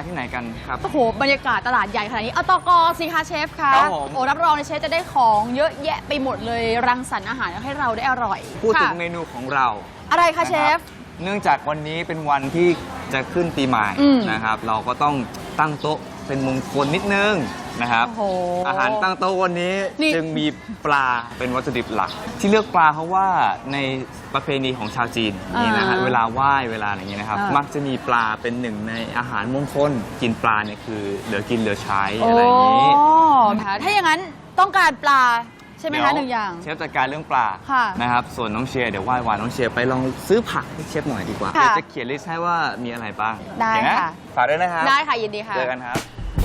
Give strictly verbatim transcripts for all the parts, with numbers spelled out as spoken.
ที่ไหนกันครับโอ้โหบรรยากาศตลาดใหญ่ขนาดนี้เอาตกสิคะเชฟคะครับผมโอ้รับรองเลยเชฟจะได้ของเยอะแยะไปหมดเลยรังสรรค์อาหารให้เราได้อร่อยพูดถึงค่ะเมนูของเราอะไรคะเชฟเนื่องจากวันนี้เป็นวันที่จะขึ้นปีใหม่อืมนะครับ เราก็ต้องตั้งโต๊ะเป็นมงคลนิดนึงนะครับโอ้โหอาหารตั้งโต๊ะวันนี้นี่จึงมีปลาเป็นวัตถุดิบหลัก ที่เลือกปลาเพราะว่าในประเพณีของชาวจีนนี่นะฮะอ่าเวลาไหว้เวลาอะไรอย่างเงี้ยนะครับอ่ามัมักจะมีปลาเป็นหนึ่งในอาหารมงคลกินปลาเนี่ยคือเหลือกินเหลือใช้อะไรอย่างนี้โอ้ค่ะถ้าอย่างนั้นต้องการปลาใช่ไหมคะหนึ่งอย่างเชฟจัดการเรื่องปลาค่ะนะครับส่วนน้องเชียร์เดี๋ยวไหว้วานน้องเชียร์ไปลองซื้อผักให้เชฟหน่อยดีกว่าค่ะเดี๋ยวจะเขียนลิสต์ให้ว่ามีอะไรบ้างได้โอเนค่ะฝากด้วยนะครับได้ค่ะยินดีค่ะเจอกันครับ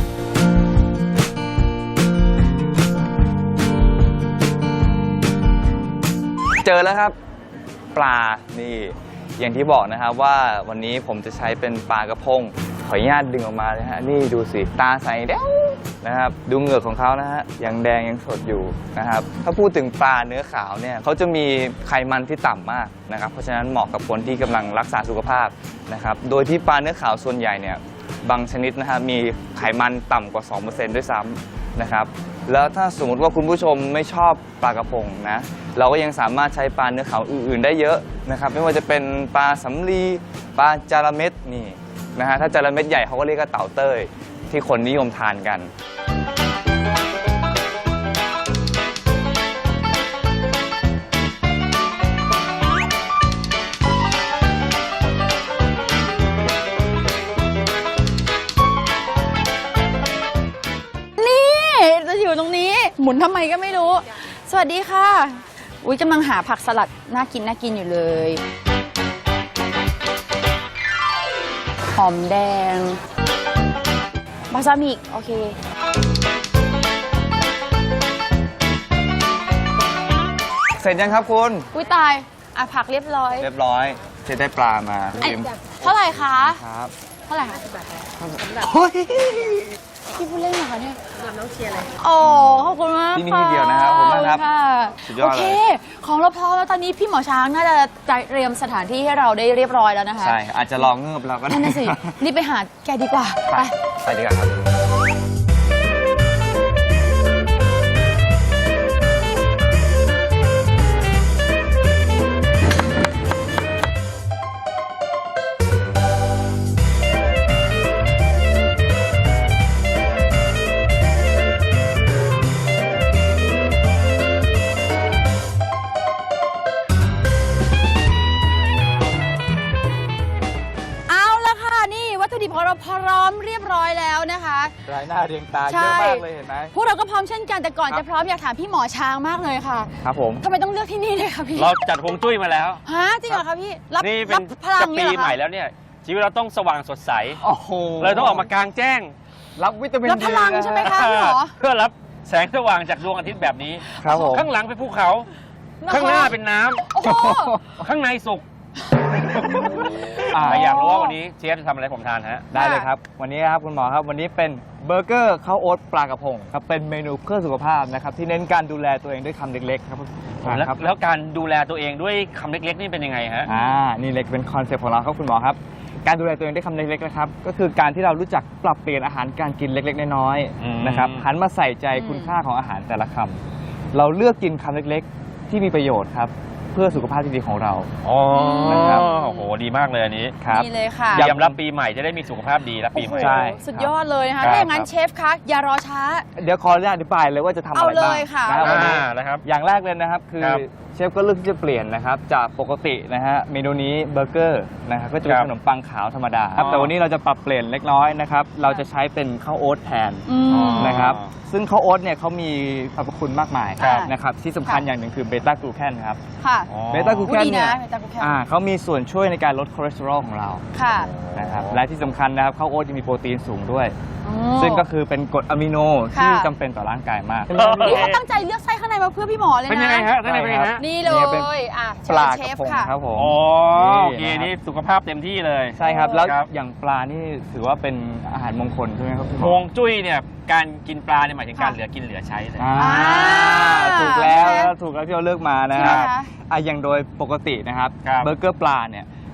เจอแล้วครับ ปลานี่อย่างที่บอกนะครับว่าวันนี้ผมจะใช้เป็นปลากระพงขออนุญาตดึงออกมาเลยฮะนี่ดูสิตาใสแดงนะครับดูเหงือกของเขานะฮะยังแดงยังสดอยู่นะครับถ้าพูดถึงปลาเนื้อขาวเนี่ยเขาจะมีไขมันที่ต่ำมากนะครับเพราะฉะนั้นเหมาะกับคนที่กำลังรักษาสุขภาพนะครับโดยที่ปลาเนื้อขาวส่วนใหญ่เนี่ยบางชนิดนะฮะมีไขมันต่ำกว่า สองเปอร์เซ็นต์ ด้วยซ้ำนะครับแล้วถ้าสมมติว่าคุณผู้ชมไม่ชอบปลากระพงนะเราก็ยังสามารถใช้ปลาเนื้อขาวอื่นๆได้เยอะนะครับไม่ว่าจะเป็นปลาสำลีปลาจาระเม็ดนี่นะฮะถ้าจาระเม็ดใหญ่เขาก็เรียกว่าเต่าเต้ยที่คนนิยมทานกันจะอยู่ตรงนี้หมุนทำไมก็ไม่รู้ สวัสดีค่ะอุ้ยกำลังหาผักสลัดน่ากินน่ากินอยู่เลยหอมแดงบาซามิกโอเคเสร็จยังครับคุณอุ้ยตายอ่ะผักเรียบร้อยเรียบร้อยเชฟได้ปลามาไอ้เท่าไหร่คะครับเท่าไหร่คะโอ้ยพี่พูดเล่นเหรอคะเนี่ยสำหรับน้องเชียร์เลยโอ้ขอบคุณมากที่นี่ที่เดียวนะครับขอบคุณมากครับค่ะสุดยอดเลยโอเค ของเราพร้อมแล้วตอนนี้พี่หมอช้างน่าจะเตรียมสถานที่ให้เราได้เรียบร้อยแล้วนะคะใช่อาจจะลองเงือบเราก็ได้นั่นน่ะสิรีบไปหาแกดีกว่าไปไปไปดีกว่าครับเอาละค่ะนี่วัตถุดิบของเราพร้อมเรียบร้อยแล้วนะคะรายหน้าเรียงตาใช่เยอะมากเลยเห็นไหมพวกเราก็พร้อมเช่นกันแต่ก่อนครับจะพร้อมอยากถามพี่หมอช้างมากเลยค่ะครับผมทำไมต้องเลือกที่นี่เลยคะพี่เราจัดฮวงจุ้ยมาแล้วฮะจริงเหรอคะพี่รับนี่เป็รันบพลัจะงปีเนี่ยเหรอใหม่คะแล้วเนี่ยชีวิตเราต้องสว่างสดใสโอ้โหเลยต้องออกมากลางแจ้งรับวิตามินรับพลังดีนใช่ไหมคะ พี่หมอเพื่อรับแสงสว่างจากดวงอาทิตย์แบบนี้ครับผมข้างหลังเป็นภูเขา ข้างหน้าเป็นน้ำโอ้โหข้างในสุกอ่าใครอยากรู้ว่าวันนี้เชฟจะทำอะไรผมทานฮะได้เลยครับ วันนี้ครับคุณหมอครับ วันนี้เป็นเบอร์เกอร์ข้าวโอ๊ตปลากระพงครับเป็นเมนูเพื่อสุขภาพนะครับที่เน้นการดูแลตัวเองด้วยคำเล็กๆครับแล้วครับแล้วการดูแลตัวเองด้วยคำเล็กๆนี่เป็นยังไงฮะอ่านี่เลยเป็นคอนเซ็ปต์ของเราครับคุณหมอครับการดูแลตัวเองด้วยคำเล็กๆนะครับก็คือการที่เรารู้จักปรับเปลี่ยนอาหารการกินเล็กๆน้อยอืมๆนะครับหันมาใส่ใจคุณค่าของอาหารแต่ละคำเราเลือกกินคำเล็กๆ ที่มีประโยชน์ครับเพื่อสุขภาพที่ดีของเราอ๋อนะครับโอ้โหดีมากเลยอันนี้ครับนี่เลยค่ะเตรียมรับปีใหม่จะได้มีสุขภาพดีรับปีใหม่โอ้โหใช่สุดยอดเลยนะคะครับถ้าอย่างนั้นเชฟคะอย่ารอช้าเดี๋ยวขออนุญาตอธิบายเลยว่าจะทำอะไรเอาเลบ้างยค่ะนะครับวันนี้อ่านะครับอย่างแรกเลยนะครับคือครับเชฟก็เลือกที่จะเปลี่ยนนะครับจากปกตินะฮะเมนูนี้เบอร์เกอร์นะครับก็จะเป็นครับขนมปังขาวธรรมดาครับอ๋อแต่วันนี้เราจะปรับเปลี่ยนเล็กน้อยนะครับเราจะใช้เป็นข้าวโอ๊ตแทนอืมนะครับซึ่งข้าวโอ๊ตเนี่ยเขามีสรรพคุณมากมายครับนะครับที่สำคัญค่ะอย่างหนึ่งคือเบต้ากลูแคนครับค่ะอ๋อเบต้ากลูแคนอุ๊ยดีเนี่ยนะเบต้ากลูแคนอ่าเขามีส่วนช่วยในการลดคอเลสเตอรอลของเราค่ะนะครับและที่สำคัญนะครับข้าวโอ๊ตยังมีโปรตีนสูงด้วยอ๋อซึ่งก็คือเป็นกรดอะมิโนค่ะที่จำเป็นต่อร่างกายมากเออนี่เขาตั้งใจเลือกไส้ข้างในมาเพื่อพี่หมอเลยนะเป็นยังไงฮะท่านนายเป็นยังไงฮะนี่เลเนี่ยเป็นยอ่ะปลาเชกระฟพงค่ะครับผมอ๋อโอเคนะครับนี่สุขภาพเต็มที่เลยใช่ครับแล้วครับอย่างปลานี่ถือว่าเป็นอาหารมงคลใช่ไหมครับพี่หมฮอวงจุ้ยเนี่ยการกินปลาเนี่ยหมายถึงการค่ะเหลือกินเหลือใช้เลยอ่าอ่าถูกแล้วใช่ไหมถูกแล้วที่เราเลือกมานะใช่ไหมครับคะอ่ะอย่างโดยปกตินะครับครับเบอร์เกอร์ปลาเนี่ย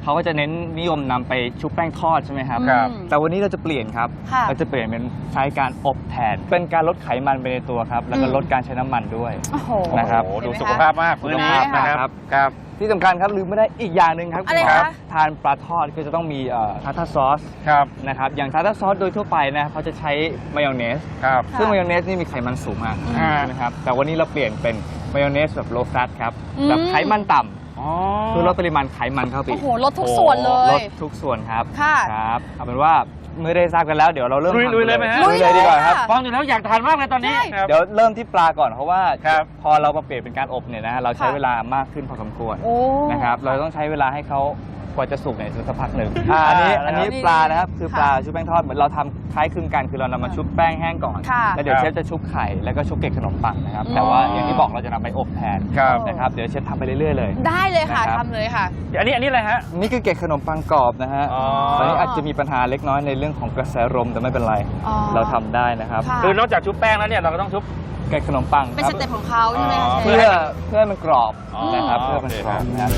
เขาก็จะเน้นนิยมนำไปชุบแป้งทอดใช่ไหมครับครับอืมแต่วันนี้เราจะเปลี่ยนครับค่ะเราจะเปลี่ยนเป็นใช้การอบแทน เป็นการลดไขมันไปในตัวครับ แล้วก็อืมลดการใช้น้ำมันด้วยโอ้โหนะครับโอ้โหดูเห็นไหมคะสุขภาพมากสุขภาพมื้อนี้นะครับครับที่สำคัญครับลืมไม่ได้อีกอย่างหนึ่งครับอะไรณหมคะทานปลาทอดก็จะต้องมีทาร์ทาซอสครับนะครับอย่างทาร์ทาซอสโดยทั่วไปนะครับเขาจะใช้มายองเนสครับค่ะซึ่งมายองเนสนี่มีไขมันสูงมากอ่านะครับแต่วันนี้เราเปลี่ยนเป็นมายองเนสแบบโลแฟตครับอืมแบบไขมันต่ำอ๋อคือลดปริมาณไขมันเข้าไปโอ้โหลดทุกส่วนเลลยดทุกส่วนครับค่ะครับเอาเป็นว่าเมื่อได้ทราบกันแล้วเดี๋ยวเราเริ่มลุยทำลุยเลยไหมฮะลุยเลยดีกว่าครับค่ะฟังอยู่แล้วอยากทานมากเลยตอนนี้ใช่ครับเดี๋ยวเริ่มที่ปลาก่อนเพราะว่าครับพอเรามาเปลี่ยนเป็นการอบเนี่ยนะฮะเราใช้ค่ะเวลามากขึ้นพอสมควรโอ้นะครับเราต้องใช้เวลาให้เขากว่าจะสุกเนี่ยสักพักหนึ่งอ่าอันนี้อันนี้นี่ปลานะครับคือค่ะปลาชุบแป้งทอดเหมือนเราทำคล้ายคลึงกันคือเรานำมาชุบแป้งแห้งก่อนค่ะแล้วเดี๋ยวครับเชฟจะชุบไข่แล้วก็ชุบเกล็ดขนมปังนะครับอืมแต่ว่าอย่างที่บอกเราจะนำไปอบแทนครับนะครับเดี๋ยวเชฟทำไปเรื่อยๆเลยได้เลยค่ะนะครับทำเลยค่ะอันนี้อันนี้อะไรฮะนี่คือเกล็ดขนมปังกรอบนะฮะอ๋อตอนนี้อาจจะมีปัญหาเล็กน้อยในเรื่องของกระแสลมแต่ไม่เป็นไรอ๋อเราทำได้นะครับค่ะคือนอกจากชุบแป้งแล้วเนี่ยเราก็ต้องชุบเกล็ดขนมปังเป็นคสรับเต็ปของเขาใช่ไหมคะอ๋อเชเพื่ฟอเพื่อให้มันกรอบอ๋อนะครับเพื่อให้มันโอเคกรอบครับนะครับ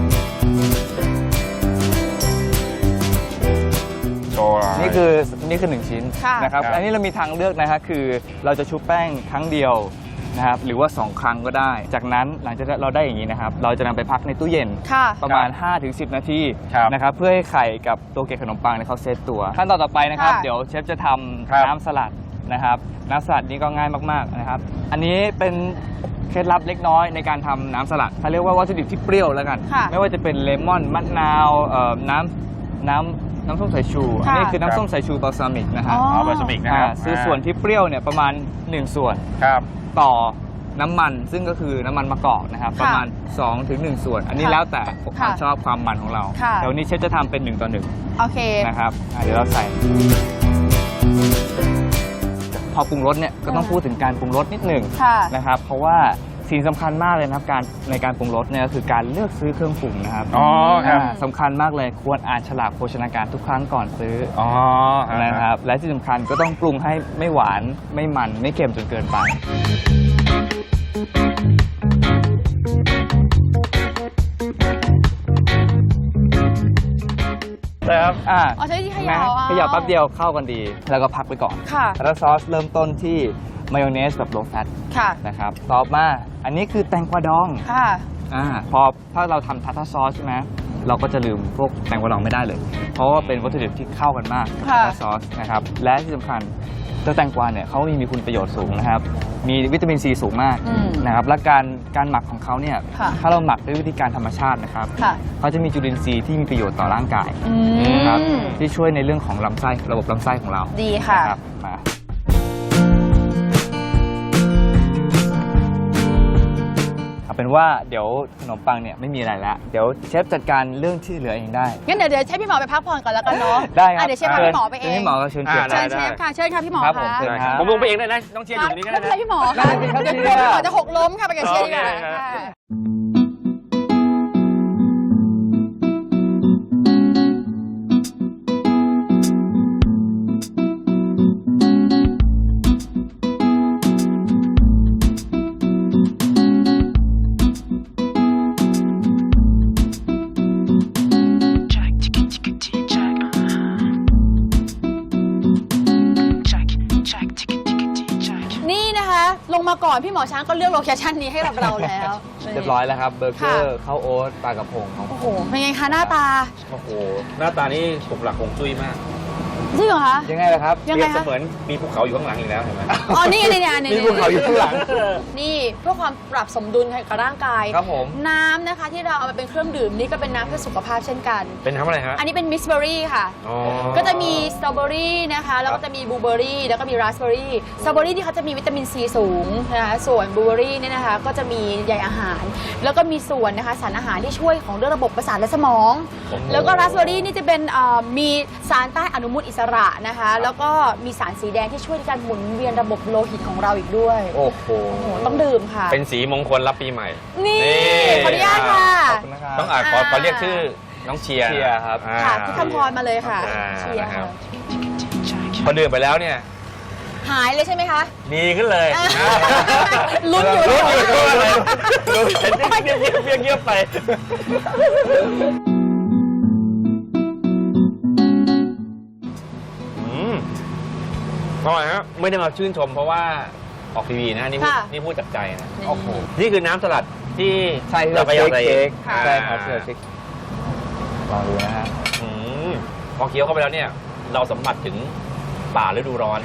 โชว์นี่คือนี่คือหนึ่งชิ้นค่ะนะครับครับอันนี้เรามีทางเลือกนะฮะคือเราจะชุบแป้งครั้งเดียวนะครับหรือว่าสองครั้งก็ได้ จากนั้นหลังจากเราได้อย่างนี้นะครับเราจะนำไปพักในตู้เย็นค่ะประมาณ ห้าถึงสิบ นาทีครับนะครับเพื่อให้ไข่กับตัวเกล็ดขนมปังเนี่ยเขาเซตตัวขั้นตอนต่อไปนะครับค่ะเดี๋ยวเชฟจะทำครับน้ำสลัดนะครับน้ำสลัดนี่ก็ง่ายมากๆนะครับอันนี้เป็นเคล็ดลับเล็กน้อยในการทำน้ำสลัดเขาเรียกว่าวัตถุดิบที่เปรี้ยวแล้วกันค่ะไม่ว่าจะเป็นเลมอนมะนาวเอ่อน้ำน้ำน้ำส้มสายชูอันนี้ค่ะคือน้ำส้มสายชูบาลซามิกนะฮะอ๋ออ๋อบาสมิกนะครับอ่าคือส่วนที่เปรี้ยวเนี่ยประมาณหนึ่งส่วนครับต่อน้ำมันซึ่งก็คือน้ำมันมะกอกนะครับค่ะประมาณ2ถึง1ส่วน อันนี้ค่ะแล้วแต่ความค่ะชอบความมันของเราค่ะแต่วันนี้เชฟจะทำเป็นหนึ่งต่อหนึ่งโอเคนะครับอ่ะเดี๋ยวเราใส่ พอปรุงรสเนี่ยก็ต้องอ่าพูดถึงการปรุงรสนิดหนึ่งค่ะนะครับเพราะว่าสิ่งสำคัญมากเลยนะครับการในการปรุงรสเนี่ยก็คือการเลือกซื้อเครื่องปรุงนะครับอ๋อครับอ่าสำคัญมากเลยควรอ่านฉลากโภชนาการทุกครั้งก่อนซื้ออ๋อนะครับและที่สำคัญก็ต้องปรุงให้ไม่หวานไม่มันไม่เค็มจนเกินไปครับอ่าอ๋อใช้ที่เขนะย่าเอาเขย่าแป๊บเดียวเข้ากันดี แล้วก็พักไปก่อนค่ะแล้วซอสเริ่มต้นที่มายองเนสแบบโลแฟตค่ะนะครับต่อมาอันนี้คือแตงกวาดองค่ะอ่าพอถ้าเราทำทาร์ทาซอสใช่ไหมเราก็จะลืมพวกแตงกวาดองไม่ได้เลย เพราะว่าเป็นวัตถุดิบที่เข้ากันมากกับค่ะทาร์ทาซอสนะครับและที่สำคัญเจ้าแตงกวาเนี่ยเขามีมีคุณประโยชน์สูงนะครับมีวิตามินซีสูงมากอืมนะครับและการการหมักของเขาเนี่ยค่ะถ้าเราหมักด้วยวิธีการธรรมชาตินะครับค่ะเขาจะมีจุลินทรีย์ที่มีประโยชน์ต่อร่างกายอืนะครับมที่ช่วยในเรื่องของลำไส้ระบบลำไส้ของเราดีค่ะนะครับมาเอาเป็นว่าเดี๋ยวขนมปังเนี่ยไม่มีอะไรแล้วเดี๋ยวเชฟจัดการเรื่องที่เหลือเองได้งั้นเดี๋ยวเดี๋ยวให้พี่หมอไปพักผ่อนก่อนแล้วกันเนาะได้ครับอ่ะเดี๋ยวเชฟพาพี่หมอไปเอชิญงพี่หมอก็เชิญเชิญอ่าได้เชิญเชฟค่ะ เชิญค่ะพี่หมอครับผมค่ะเชิญได้ครับผมลงไปเองได้นะต้องเชียร์อยู่ตรงนี้ก็ไม่ได้เป็นไรนะพี่หมอได้ค่ะสิครับเดี๋ยวเชียร์พี่หมอจะหกล้มค่ะไปกับเชียร์ดีกว่าโอเคครับค่ะ Jack, ticka ticka tick Jack, uh-huh. Jack, Jack, ticka ticka tick Jack. นี่นะคะ ลงมาก่อนพี่หมอช้างก็เลือกโลเคชั่นนี้ให้กับเราแล้วเรียบร้อยแล้วครับเบอร์เกอร์ค่ะข้าวโอ๊ตปลากระพงครับโอ้โห เป็นไงคะหน้าตาโอ้โหหน้าตานี่ถูกหลักคงจุ้ยมากจริงเหรอคะยังไงล่ะครับยังเปไงรียบเสคะมือนมีภูเขาอยู่ข้างหลังอีกแล้วเห็นไหมอ๋อ นี่นี่นี่นี่มีภูเขาอยู่ข้างหลังนี่เพื่อความปรับสมดุลกับร่างกายครับผมน้ำนะคะที่เราเอามาเป็นเครื่องดื่มนี่ก็เป็นน้ำเพื่อสุขภาพเช่นกันเป็นทำอะไรฮะอันนี้เป็นมิสเบอรี่ค่ะอ๋อก็จะมีสตรอเบอรี่นะคะ แล้วก็จะมีบลูเบอรี่ แล้วก็มีราสเบอรี่ สตรอเบอรี่ที่เขาจะมีวิตามินซีสูงนะคะ ส่วนบลูเบอรี่เนี่ยนะคะ ก็จะมีใยอาหาร แล้วก็มีส่วนนะคะสารอาหารที่ช่วยของเรื่องระบบประสาทและสมองโอ้โหแล้วก็ราสเบอรี่นี่จะเป็นเอ่อมีสารต้านอนุมูลอิสระนะคะ แล้วก็มีสารสีแดงที่ช่วยในการหมุนเวียนระบบโลหิตของเราอีกด้วยโอ้โหโอ้โห ต้องดื่มค่ะเป็นสีมงคลรับปีใหม่นี่นี่ขออนุญาตค่ะขอบคุณนะครับต้องอ่านขอขอเรียกชื่อน้องเชียร์เชียร์ครับอ่าค่ะพี่คำพรมาเลยค่ะอ่าเชียร์นะครัค่ะบ Jack. พอดื่มไปแล้วเนี่ยหายเลยใช่ไหมคะดีขึ้นเลยอ่าลุ้นอยู่ลุ้นอยู่ด้วยเลยลุ้นเงียบเงียบเงียบเงียบไปอร่อยฮะไม่ได้มาชื่นชมเพราะว่าออกทีวีนะนี่พูดค่ะนี่พูดจากใจนะโอ้โหนี่คือน้ำสลัดที่ใช่ที่เราเราพยายามเช็คใส่ใช่ครับที่เราเช็คลองดูนะฮะอืมพอเคี้ยวเข้าไปแล้วเนี่ย เราสัมผัสถึงป่าฤดูร้อน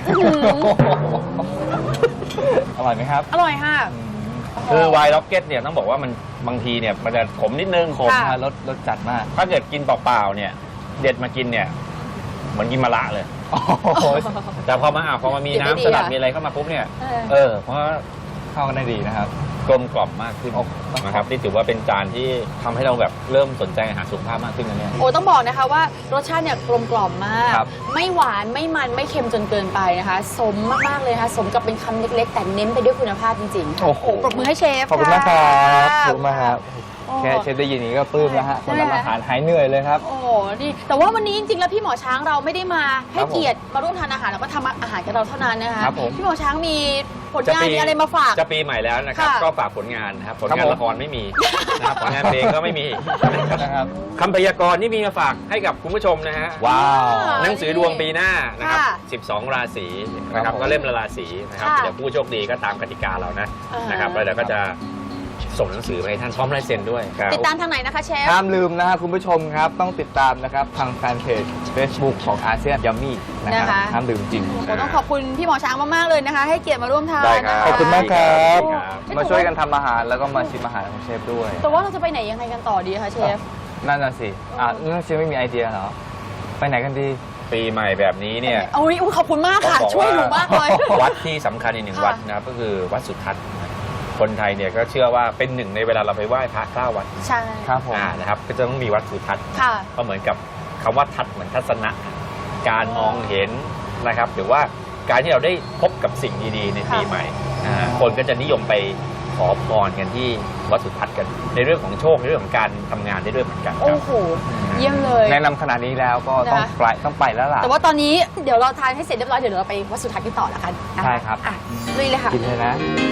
อร่อยไหมครับอร่อยค่ะคือไวน์ล็อกเก็ตเนี่ยต้องบอกว่ามันบางทีเนี่ยมันจะขมนิดนึงขมค่ะฮะรสรสจัดมากถ้าเกิดกินเปล่าๆเนี่ย เด็ดมากินเนี่ย เหมือนกินมะระเลยโอ้โหแต่พอมาอ่ะพอมามีเดี๋ยวน้ำไม่สดีลัดอ่ะมีอะไรเข้ามาปุ๊บเนี่ยเออเออเพราะว่าเข้ากันได้ดีนะครับกลมกล่อมมากขึ้นโอ้ต้องนะครับนี่ถือว่าเป็นจานที่ทำให้เราแบบเริ่มสนใจอาหารสุขภาพมากขึ้นนะเนี่ยโอ้ต้องบอกนะคะว่ารสชาติเนี่ยกลมกล่อมมากครับไม่หวานไม่มันไม่เค็มจนเกินไปนะคะ สมมากๆเลยนะคะสมกับเป็นคำเล็กๆ แต่เน้นไปด้วยคุณภาพจริงๆค่ะโอ้โหปรบมือให้เชฟขอบคุณมากครับะขอบคุณมากครับโอ้แค่เชฟได้ยินอย่างนี้ก็ปลื้มแล้วฮะใช่คนทำอาหารหายเหนื่อยเลยครับโอ้โหนี่แต่ว่าวันนี้จริงๆแล้วพี่หมอช้างเราไม่ได้มาให้ครับผมเกียรติมาร่วมทานอาหารแล้วก็ทำอาหารกับเราเท่านั้นนะคะครับผมพี่หมอช้างมีผลงานมีอะไรมาฝากจะปีใหม่แล้วนะครับค่ะก็ฝากผลงานนะครับผลครับงานผมละครไม่มีนะครับผลงานเพลงก็ไม่มีนะครับนะครับคำพยากรณ์นี่มีมาฝากให้กับคุณผู้ชมนะฮะว้าวหนังสือดวงปีหน้านะครับค่ะสิบสอง ราศีนะคครัรับบผมก็เล่มละราศีนะครับค่ะเดี๋ยวผู้โชคดีก็ตามกติกาเรานะอ่านนะครับแล้วเดี๋ยวก็จะส่งหนังสือไปให้ท่านพร้อมลายเซ็นด้วยครับติดตามทางไหนนะคะเชฟห้ามลืมนะครับคุณผู้ชมครับ ต้องติดตามนะครับ ทางแฟนเพจ Facebook ของอาเซียนยัมมี่นะครับนะคะห้ามลืมจริงโอ้ต้องขอบคุณพี่หมอช้างมากๆเลยนะคะ ให้เกียรติมาร่วมทานได้ครับนะะขอบคุณมากครับครับมาช่วยกันทำอาหารแล้วก็มาชิมอาหารของเชฟด้วยแต่ว่าเราจะไปไหนยังไงกันต่อดีคะเชฟนั่นน่ะสิ อ่ะนั่นเชฟไม่มีไอเดียเหรอ ไปไหนกันดีปีใหม่แบบนี้เนี่ยโอ้ยอุ๊ยขอบคุณมากค่ะต้องบอกช่วยหนูมากเลยวัดที่สำคัญอีกหนึ่งค่ะวัดนะครับก็คือวัดสุทัศน์คนไทยเนี่ยก็เชื่อว่าเป็นหนึ่งในเวลาเราไปไหว้พระเก้าวัดใช่ครับผมอ่านะครับก็จะต้องมีวัดสุทัศน์ค่ะก็เหมือนกับคำว่าทัศน์เหมือนทัศนะ การมองเห็นนะครับหรือว่าการที่เราได้พบกับสิ่งดีๆในปีค่ะใหม่อ่าคนก็จะนิยมไปขอพรกันที่วัดสุทัศน์กัน ในเรื่องของโชคในเรื่องของการทำงานได้ด้วยเหมือนกันคโอ้รับโห เยี่ยมเลยแนะนำขนาดนี้แล้วก็ต้องนะคะไปต้องไปแล้วล่ะแต่ว่าตอนนี้เดี๋ยวเราทานให้เสร็จเรียบร้อยเดี๋ยวเราไปวัดสุทัศน์กันต่อละกันนะะใช่ครับอ่ะลุยเลยค่ะกินเลยนะ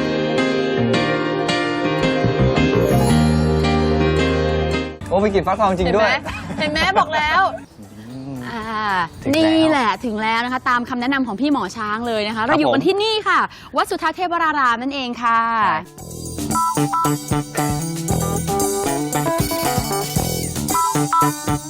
โอ้ไปกินฟักทองจริงเห็นด้ไหวมยเห็นไหมบอกแล้วอ่าถึงแล้วนี่แหละถึงแล้วนะคะ ตามคำแนะนำของพี่หมอช้างเลยนะคะ เราอยู่ผมกันที่นี่ค่ะ วัดสุทัศน์เทพวรารามนั่นเองค่ะใช่